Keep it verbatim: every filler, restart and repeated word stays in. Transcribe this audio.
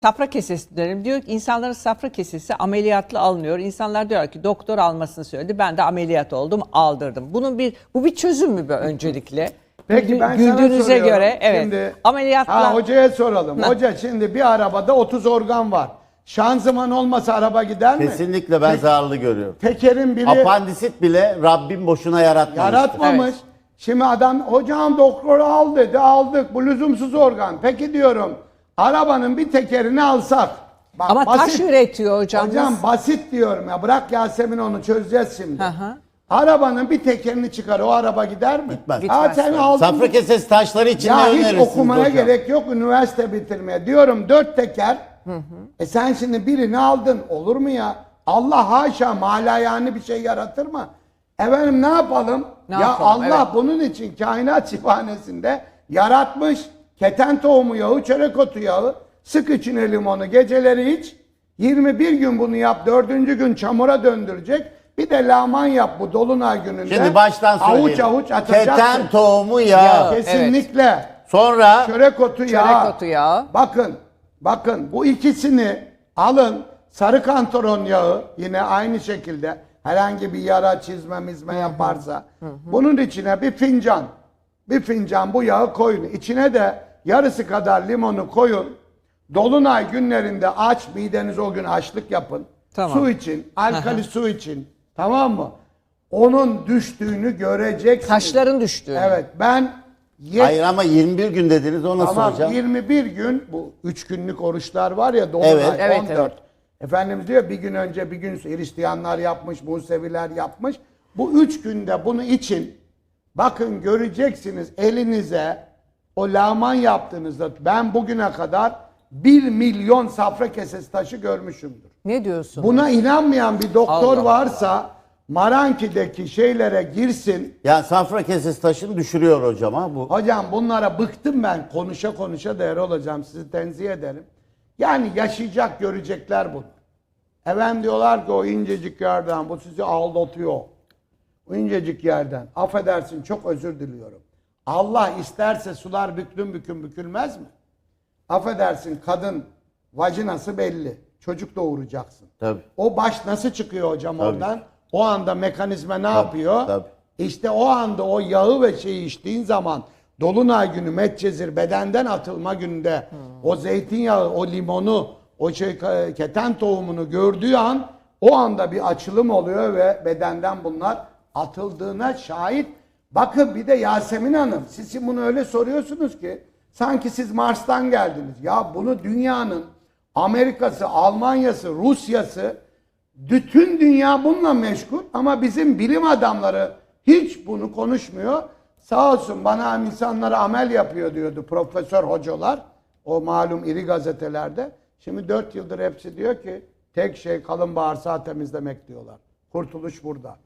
Safra kesesi dönelim. Diyor ki insanların safra kesesi ameliyatlı alınıyor. İnsanlar diyor ki doktor almasını söyledi. Ben de ameliyat oldum, aldırdım. Bunun bir bu bir çözüm mü bu öncelikle? Peki ben Güldüğünüze sana soruyorum. göre evet. Şimdi, Ameliyatla ha, hocaya soralım. Ha. Hoca şimdi bir arabada otuz organ var. Şanzıman olmasa araba gider mi? Kesinlikle ben Tek- zararlı görüyorum. Tekerin biri Apandisit bile Rabbim boşuna yaratmamıştır. yaratmamış. Evet. Şimdi adam hocam doktoru al dedi, aldık. Bu lüzumsuz organ. Peki diyorum arabanın bir tekerini alsak. Bak, ama taş üretiyor hocam. Hocam basit diyorum ya. Bırak Yasemin, onu çözeceğiz şimdi. Hı hı. Arabanın bir tekerini çıkar, o araba gider mi? Gitmez. Ha, sen aldın. Safra kesesi taşları için Ya ne hiç önerirsiniz okumaya hocam? gerek yok, üniversite bitirmeye. Diyorum dört teker. Hı hı. E sen şimdi birini aldın. Olur mu ya? Allah haşa malayani bir şey yaratır mı? Efendim ne yapalım? Ne ya yapalım? Allah Evet. bunun için kainat şifanesinde yaratmış. Keten tohumu yağı, çörek otu yağı. Sık içine limonu, geceleri iç. yirmi bir gün bunu yap. Dördüncü gün çamura döndürecek. Bir de laman yap bu dolunay gününde. Şimdi baştan söyleyeyim. Avuç avuç atacaksın. Keten tohumu yağı. Kesinlikle. Sonra Çörek otu yağı. Çörek otu yağı. Bakın, bakın bu ikisini alın. Sarı kantaron yağı yine aynı şekilde herhangi bir yara, çizme, mizme yaparsa bunun içine bir fincan, bir fincan bu yağı koyun. İçine de yarısı kadar limonu koyun. Dolunay günlerinde aç, mideniz o gün açlık yapın. Tamam. Su için, alkali su için. Tamam mı? Onun düştüğünü göreceksiniz. Taşların düştüğü. Evet, ben yet- hayır ama yirmi bir gün dediniz, o nasıl Tamam, hocam? yirmi bir gün bu üç günlük oruçlar var ya, Dolunay Evet, evet, on dört. evet. Efendimiz diyor bir gün önce bir gün Hristiyanlar yapmış, Museviler yapmış. Bu üç günde bunu için bakın göreceksiniz elinize o laman yaptığınızda ben bugüne kadar bir milyon safra kesesi taşı görmüşümdür. Ne diyorsun? Buna inanmayan bir doktor Allah varsa Maranki'deki şeylere girsin. Yani safra kesesi taşını düşürüyor hocam ha bu. Hocam bunlara bıktım ben. Konuşa konuşa değer olacağım. Sizi tenzih ederim. Yani yaşayacak, görecekler bunu. Efendim diyorlar ki o incecik yerden bu sizi aldatıyor. O incecik yerden. Affedersin, çok özür diliyorum. Allah isterse sular büklüm büküm bükülmez mi? Affedersin, kadın vajinası belli. Çocuk doğuracaksın. Tabii. O baş nasıl çıkıyor hocam Tabii. oradan? O anda mekanizma ne yapıyor? tabii. İşte o anda o yağı ve şeyi içtiğin zaman Dolunay günü Medcezir bedenden atılma gününde o zeytinyağı, o limonu, o şey keten tohumunu gördüğü an o anda bir açılım oluyor ve bedenden bunlar atıldığına şahit. Bakın bir de Yasemin Hanım, siz şimdi bunu öyle soruyorsunuz ki sanki siz Mars'tan geldiniz. Ya bunu dünyanın Amerika'sı, Almanya'sı, Rusya'sı, bütün dünya bununla meşgul ama bizim bilim adamları hiç bunu konuşmuyor. Sağ olsun bana insanlara amel yapıyor diyordu profesör hocalar. O malum iri gazetelerde. Şimdi dört yıldır hepsi diyor ki tek şey kalın bağırsağı temizlemek diyorlar. Kurtuluş burada.